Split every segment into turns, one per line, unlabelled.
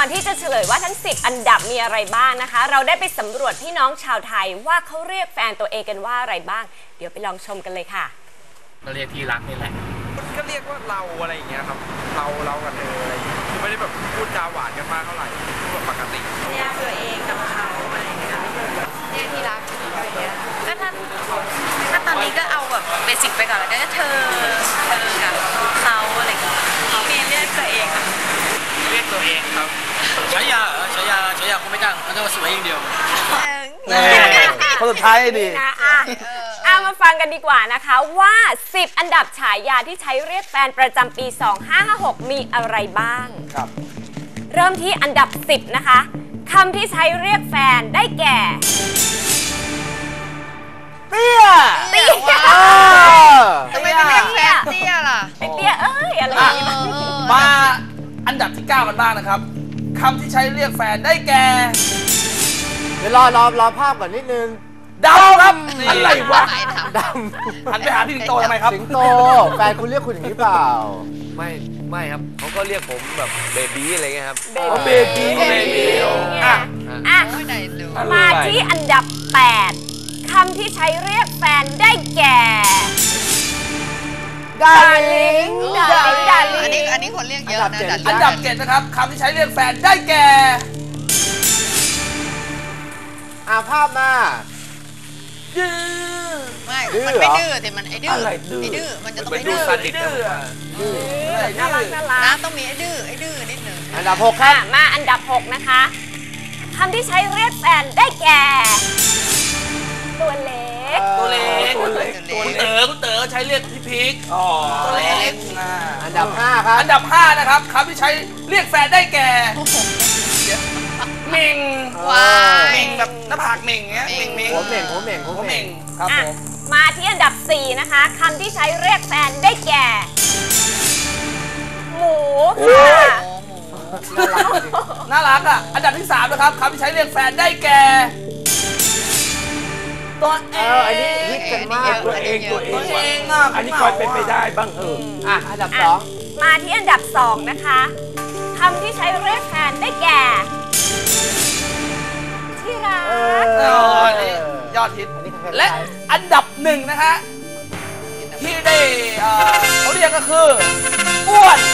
อนที่จะเฉลยว่าทั้ง10อันดับมีอะไรบ้างนะคะเราได้ไปสำรวจพี่น้องชาวไทยว่าเขาเรียกแฟนตัวเองกันว่าอะไรบ้างเดี๋ยวไปลองชมกันเลยค่ะ
ก็เรียกที่รักนี่แหละ
ก็เรียกว่าเราอะไรอย่างเงี้ยครับเรากับเธออะไรอย่างเงี้ยคือไม่ได้แบบพูดจาหวานกันมากเท่าไหร่พูดแบบปกติ
เรียกตัวเองกับเขาอะไรอย่างเงี้ยเรียกที่รักอะไรอย่างเงี้ยก็ถ้าตอนนี้ก็เอาแบบเบสิกไปก่อนแล้วก็เธอกับเขาอะไรอย่างเงี้ยมีเรียกตัวเองค่ะ
เรียกตัวเองครับฉายาคงไม่ดังเขาจะมาสวยอย่างเดียว
คนสุดท้ายดี
เอามาฟังกันดีกว่านะคะว่า10อันดับฉายาที่ใช้เรียกแฟนประจำปี2556มีอะไรบ้าง
ครับ
เริ่มที่อันดับ10นะคะคำที่ใช้เรียกแฟนได้แก่
เตี้ย
ทำไมไม่เรียกแฟนเตี้ยล่ะ
ไอเตี้ยเอ้ยอะไร
มาอันดับที่9กันบ้างนะครับคำที่ใช้เรียกแฟนได้แก่
เดี๋ยวรอภาพก่อนนิดนึง
ดำครับอะไรวะ
ดำ
หันไปหาพี่สิงโตทำไมครับ
สิงโตแฟนคุณเรียกคุณอย่างนี้เปล่า
ไม่ครับเขาก็เรียกผมแบบเบบี้อะไรเงี้ยครับ
เบบี้
มาที่อันดับ8คำที่ใช้เรียกแฟนได้แก่ดาริง
อันนี้คนเรียกเยอะนะ
อันดับ7นะครับคำที่ใช้เรียกแฟนได้แก่
ภาพมา
ไม่มันไม่ดื้อแต่มันไอ้ดื้อมันจะต้องไม่ดื้อ
น่ารัก
นะต้องมีไอ้ดื้อนิดนึง
อันดับ6ครับ
มาอันดับ6นะคะคำที่ใช้เรียกแฟนได้แก่ตัวเล็ก
คุณเต๋อใช้เรียกพี่พีคตัวเล็ก
อันดับ5ครับ
อันดับ5นะครับคำที่ใช้เรียกแฟนได้แก่เม่งเม่งแบบหน้าผากเม่งเงี้ยเม่ง
หัวเม่ง
ครับผม
มาที่อันดับ4นะคะคำที่ใช้เรียกแฟนได้แก่หมูค่ะ
น่ารักอ่ะอันดับที่3นะครับคำที่ใช้เรียกแฟนได้แก่ตัวเอง
อันนี้ฮิตกันมาก
ตัวเอง
อันนี้คอยเป็นไปได้บ้าง
อันดับ2
มาที่อันดับ2นะคะคำที่ใช้เรียกแฟนได้แก่ที่รัก
ยอดฮิตและอันดับ1นะฮะที่ได้เขาเรียกก็คืออ้วน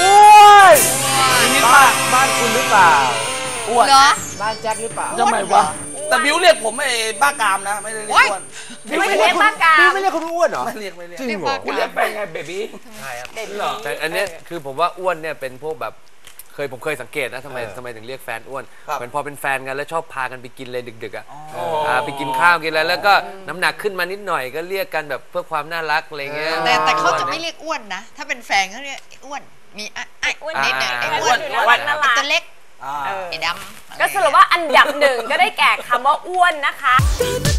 ฮิตมากบ้านคุณหรือเปล่า
อ้วน
บ้านแจ็คหรือเปล่า
ทำไมวะแต่บิวเรียกผมไอ้บ้ากามนะไม่ได้เรียกอ้วน
ไม่เรียกบ้ากาม
ไม่เรียกคุณอ้วนเหรอ
ไม่เรียก
จริงเหรอ
คุณเรียกไปไงเบบี้
ใช่ครับ
แต่อันนี้คือผมว่าอ้วนเนี่ยเป็นพวกแบบผมเคยสังเกตนะทำไมถึงเรียกแฟนอ้วนเหมือนพอเป็นแฟนกันแล้วชอบพากันไปกินเลยดึกๆไปกินข้าวกินอะไรแล้วก็น้ำหนักขึ้นมานิดหน่อยก็เรียกกันแบบเพื่อความน่ารักอะไรเงี้ย
แต่เขาจะไม่เรียกอ้วนนะถ้าเป็นแฟนเขาเรียกอ้วนมีไอ้อ้วนนิดหนึ่งไอ้อ้วนตัวเล็กไอ้ดำ
ก็สรุปว่าอันดับ1ก็ได้แก่คำว่าอ้วนนะคะ